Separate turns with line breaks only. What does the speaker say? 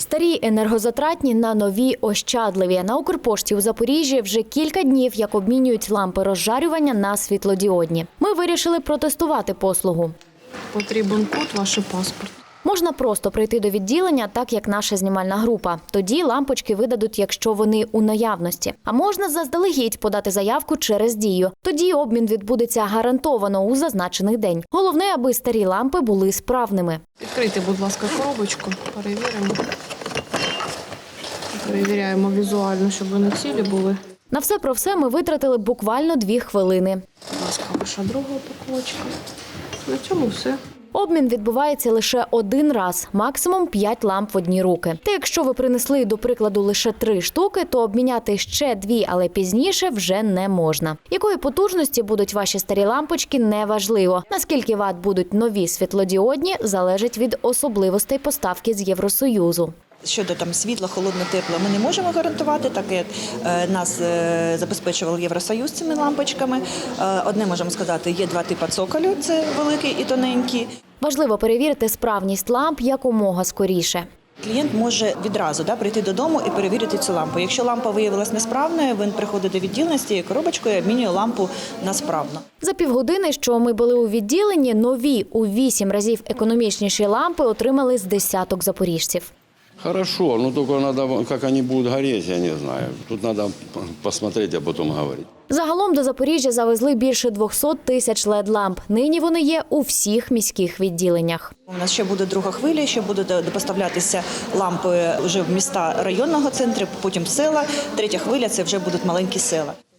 Старі енергозатратні на нові ощадливі. На Укрпошті у Запоріжжі вже кілька днів, як обмінюють лампи розжарювання на світлодіодні. Ми вирішили протестувати послугу.
Потрібен код, ваш паспорт.
Можна просто прийти до відділення, так як наша знімальна група. Тоді лампочки видадуть, якщо вони у наявності. А можна заздалегідь подати заявку через Дію. Тоді обмін відбудеться гарантовано у зазначений день. Головне, аби старі лампи були справними.
Відкрийте, будь ласка, коробочку, перевіримо. Перевіряємо візуально, щоб вони цілі були.
На все про все ми витратили буквально 2 хвилини.
Будь ласка, ваша друга упаковочка. На цьому все.
Обмін відбувається лише один раз, максимум 5 ламп в одні руки. Та якщо ви принесли, до прикладу, лише 3 штуки, то обміняти ще 2, але пізніше вже не можна. Якої потужності будуть ваші старі лампочки – неважливо. Наскільки ват будуть нові світлодіодні – залежить від особливостей поставки з Євросоюзу.
Щодо світла, холодне, тепло ми не можемо гарантувати, так як нас забезпечував Євросоюз цими лампочками. Одне можемо сказати, є 2 типи цоколю, це великий і тоненький.
Важливо перевірити справність ламп якомога скоріше.
Клієнт може відразу прийти додому і перевірити цю лампу. Якщо лампа виявилась несправною, він приходить до відділення з цією коробочкою і обмінює лампу на справну.
За півгодини, що ми були у відділенні, нові у 8 разів економічніші лампи отримали з десяток запоріжців.
Хорошо, но только надо, как они будут гореть, я не знаю. Тут надо посмотреть, а потом говорить.
Загалом до Запоріжжя завезли більше 200 тисяч LED-ламп. Нині вони є у всіх міських відділеннях.
У нас ще буде друга хвиля, ще будуть поставлятися лампи вже в міста районного центру, потім в села. Третя хвиля – це вже будуть маленькі села.